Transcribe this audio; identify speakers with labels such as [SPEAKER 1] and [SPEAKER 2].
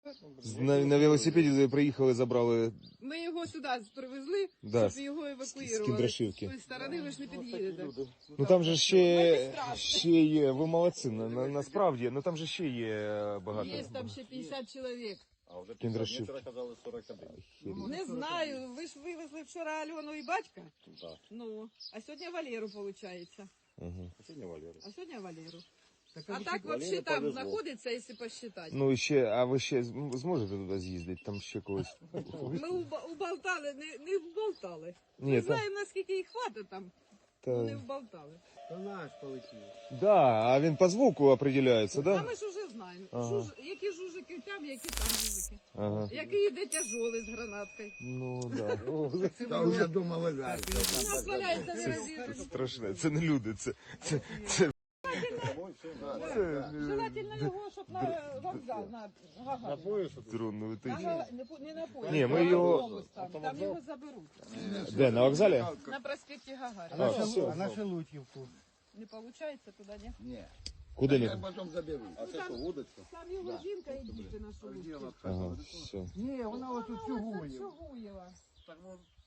[SPEAKER 1] На велосипеді приїхали, забрали.
[SPEAKER 2] Ми його сюди привезли,
[SPEAKER 1] Да,
[SPEAKER 2] щоб його
[SPEAKER 1] з
[SPEAKER 2] евакуювали.
[SPEAKER 1] Кіндрашівки.
[SPEAKER 2] З тої сторони ви ж не під'їдете.
[SPEAKER 1] Ну там же ще є, ви молодці, насправді, ну там же ще є багато.
[SPEAKER 2] Є там ще 50 чоловік.
[SPEAKER 3] А вже
[SPEAKER 1] Кіндрашівки.
[SPEAKER 3] вчора казали 41.
[SPEAKER 2] Не знаю, ви ж вивезли вчора Альону і батька.
[SPEAKER 3] Так.
[SPEAKER 2] Ну, а сьогодні Валеру, виходить.
[SPEAKER 3] А сьогодні Валера.
[SPEAKER 2] А сьогодні Валеру. А так взагалі там
[SPEAKER 3] повезло.
[SPEAKER 2] знаходиться, якщо посчитати.
[SPEAKER 1] Ну і ще, а ви ще зможете туди з'їздити, там ще когось?
[SPEAKER 2] Ми уболтали, не вболтали.
[SPEAKER 1] Ні,
[SPEAKER 2] Ми
[SPEAKER 1] та-
[SPEAKER 2] знаємо, наскільки їх хватить там, ну не
[SPEAKER 1] Та...
[SPEAKER 2] вболтали.
[SPEAKER 4] То наш полетів.
[SPEAKER 1] Да, а він по звуку определяється,
[SPEAKER 2] А
[SPEAKER 1] да?
[SPEAKER 2] ми ж уже знаємо,
[SPEAKER 1] Ага.
[SPEAKER 2] які жужики там, які там жужики.
[SPEAKER 1] Ага.
[SPEAKER 2] Який йде тяжолий з гранаткою.
[SPEAKER 1] Ну, да.
[SPEAKER 4] Та вже дома лежать.
[SPEAKER 2] У нас валяється не розірваний.
[SPEAKER 1] Страшне, це не люди, це
[SPEAKER 2] Желательно його, щоб на вокзал, на Гагаріна.
[SPEAKER 1] дрон летить.
[SPEAKER 2] Не на поїзд,
[SPEAKER 1] Ні, ми
[SPEAKER 2] а
[SPEAKER 1] його-
[SPEAKER 2] автобус там його заберуть.
[SPEAKER 1] Де, на вокзалі?
[SPEAKER 2] На проспекті Гагаріна.
[SPEAKER 1] А, все.
[SPEAKER 4] А на Шелудьківку.
[SPEAKER 2] Не виходить туди, ні?
[SPEAKER 4] Ні.
[SPEAKER 1] Куди
[SPEAKER 4] Я
[SPEAKER 1] не?
[SPEAKER 4] потім заберу.
[SPEAKER 3] А це що, вудочка?
[SPEAKER 2] Там його жінка і діти на шолудці.
[SPEAKER 1] Ага, все.
[SPEAKER 4] Ні, вона отут
[SPEAKER 2] Вона
[SPEAKER 4] чугує.
[SPEAKER 2] Чугуєва.